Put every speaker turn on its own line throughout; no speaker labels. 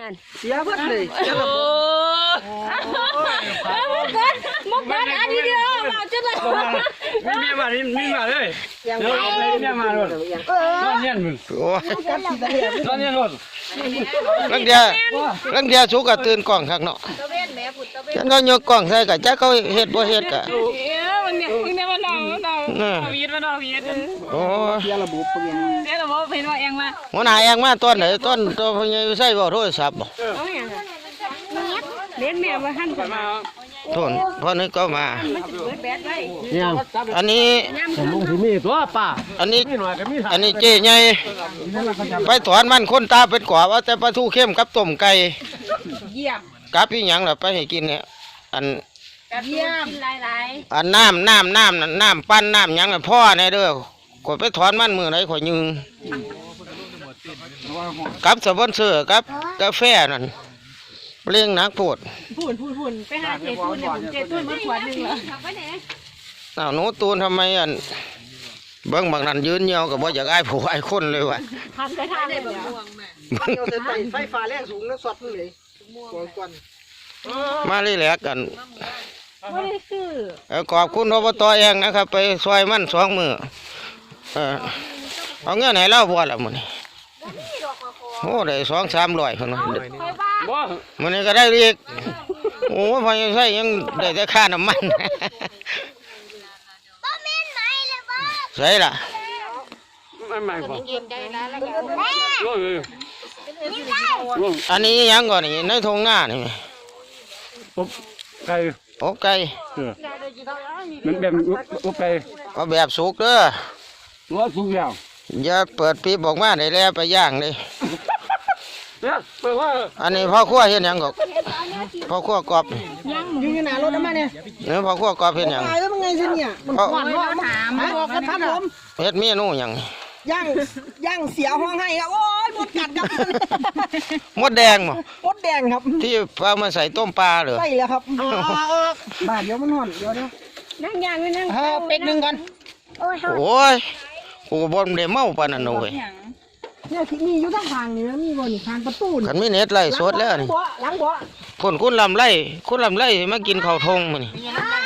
นั่น
เสียเบิดเลยเสีย
โอ้
มุกเดินอันนี้เดียวมาจุดเลย
มีเมียมาเลยเดี๋ยวเมียมาเลยนอนเย็นมึง
โอ้ย
นอนเย็นรถ
ลังเดียสุกก็ตื่นกล้องข้างเนาะ
ตะเวนแม่ผุดตะเวน
ฉันก็ยกกล้องใส่ก็จักเขาเฮ็ดบ่เฮ็ดก็
มันเนี่ยมันนอนวีดมันนอนวีด
โอ้ย
เสียระบบเปลี่ยน
เดี๋ยวเราบอกเห็นว่าเองมา
หัวหน้าเองมาตอนไหนตอนตัวพญาใส่บ่โทรศัพท์บ่
เล่นแม่ว่าหั่นกันมา
โทนพอนึกก็มา
แบดไว้
อันนี้
ลุงที่มีตัวป่า
อันนี้
มีหน่อยก็มี
อันนี้เจ๊ใหญ่ไปถอนมันคนตาเป็นกว่าว่าแต่ปลาทูเข้มกับต้มไก่
เยี่ยม
กับอีหยังล่ะไปให้กินเนี่ยอัน
เยี่ยมกินหลาย
อันน้ำปั้นน้ำหยังน่ะพ่อแน่เด้อข่อยไปถอนมันมื้อไหนข่อยยืงกับสปอนเซอร์กับกาแฟนั่นเลี้ยงนักโพด
พูนไปหาเจตูนเนี่ยผมเจตูนมาขวดนึงเหรอไปไหน
อ้าวหนูตูนทำไมอันเบิ่งบางนั้นยืนเหี่ยวก็บ่อยากอ้ายผู้อ้ายคนเลยว่ะ
ทำได้ทำได้แบบม่วงแม่
เอาแต่ไฟฟ้าแรงสูงแล้วสดเลยก่อน
มาเลยแหลกกัน
ไม่ได้คือ
ขอบคุณอบตเองนะครับ ไปซอยมัน2 มื้อเอาเงินให้เราบ่ล่ะมื้อนี้โอ้ได้2-300พุ่นเนาะ
บ่
มื้อนี้ก็ได้อีกโอ้พอยังใช้ยังได้แต่ค่าน้ำมันใช่ล่ะ
ไม่ไม่บ่
กินได้แล้วแล้วก็
ร่วง
อันนี้ยังก่อนนี่ในทงหน้านี่
ปุ๊บไก่
โอ้ไก่
มันแบบปุ๊บไก่
เอาแบบสุกเด้อ
ตัวสุกแล้ว
อย่าเปิดปีบออกมาได้แล้วไปย่างเลย
เนี่ยเปิดว่า
อันนี้พ่อครัวเห็นหยังก็พ่อครัวกรอบ
อยู่ในหน้ารถน้ำมันเนี่ย
เนี่ยพ่อครัวกรอบเห็นหยัง
ตายแล้วมันไงสิเนี่ยมันหวานว่าถามบอกกันครับผม
เฮ็ดเมนูหยัง
ย่างเสียห้องให้ครับโอ้ยหมดกัดครับ
มดแดงบ่
หมดแดงครับ
ที่เอามาใส่ต้มปลาเหรอ
ใส่แล้วครับบ้าเดี๋ยวมันห่อนเดี๋ยว
นั่งยางไว้นั่ง
เป็กหนึ่งก่อน
โอ้ย
โอ้ยกูก็บ่ได้เมาปานนั้นเว้ย
เนี่ยที่มีอยู่ทางทางนี่นะมีบนทางประตูนี่
คันมีเน็ตไล่สดแล้วนี่
หลังบ่
คนคุณลำไรมากินข้าวทงมื้อนี่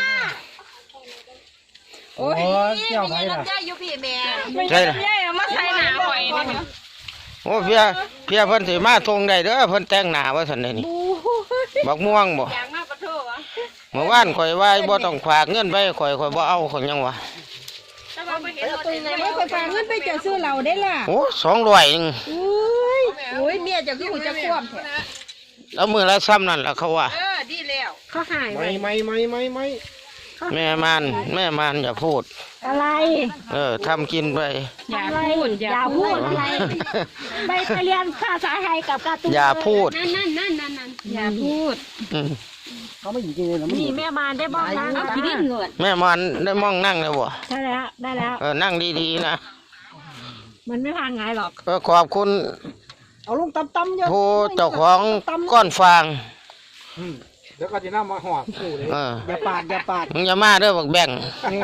โอ้ยเจ้าไปล่ะลำไยอยู่พี่แม่
ใช่ล่ะ
มาใส่หนาหอยนี่
โอ้เพียเพิ่นสิมาทงได้เด้อเพิ่นแต่งหน้าว่าซั่นเด้นี่บักม่วงบ่
ยางมาปะโถวะ
เมื่อวานข่อยว่าบ่ต้องฝากเงินไปข่อยบ่เอาข่อยยังวะ
ถ้าเราไปเห็นรถในรถไฟฟ้าเงินไปจะซื้อเราได้ล่ะ
โอ้200นึง
อุ้ยเมียจะคือจะควบ
แล้วมื้อละซ้ำนั่นล่ะเขาว่า
ดีแล้วเขาหายไป
ไม่
แม่มานอย่าพูด
อะไร
ทำกินไป
อย่าพูดอะไรไปเรียนภาษาไทยกับการ์ตูน
อย่าพูด
นั่นอย่าพูด
อืม
เขาไม่อยู่จริงเลยนะ
นี่แม่มาได้บ้างนะเอาขี้ดินเลย
แม่มานได้มองนั่งแล้วบ่
ได้แล้ว
นั่งดีๆนะ
มันไม่พังไงหรอก
ขอบคุณ
เอาลงตั้มเยอะ
ผู้เจ้าของก้อนฟาง
เดี๋ยวก็จะน้ำมาหอบเลยอย่าปาด
มึงอย่ามาเด้อบักแบ่ง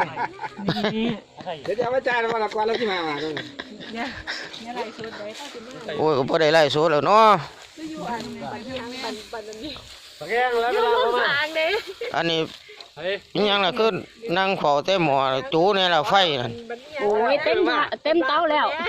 เดี๋ยวจะมาจ่ายแล้ววันละกว่าแล้วที่มา
โอ้ยก็บ่ได้ไล่สูแล้วเนาะ
แกงแล้วเวลาประมาณ
อันนี้อิหยังล่ะคือนั่งเฝ้าแต่หม้อจูนี่ล่ะไฟนั่น
โอ้ยเต็มเตาแล้ว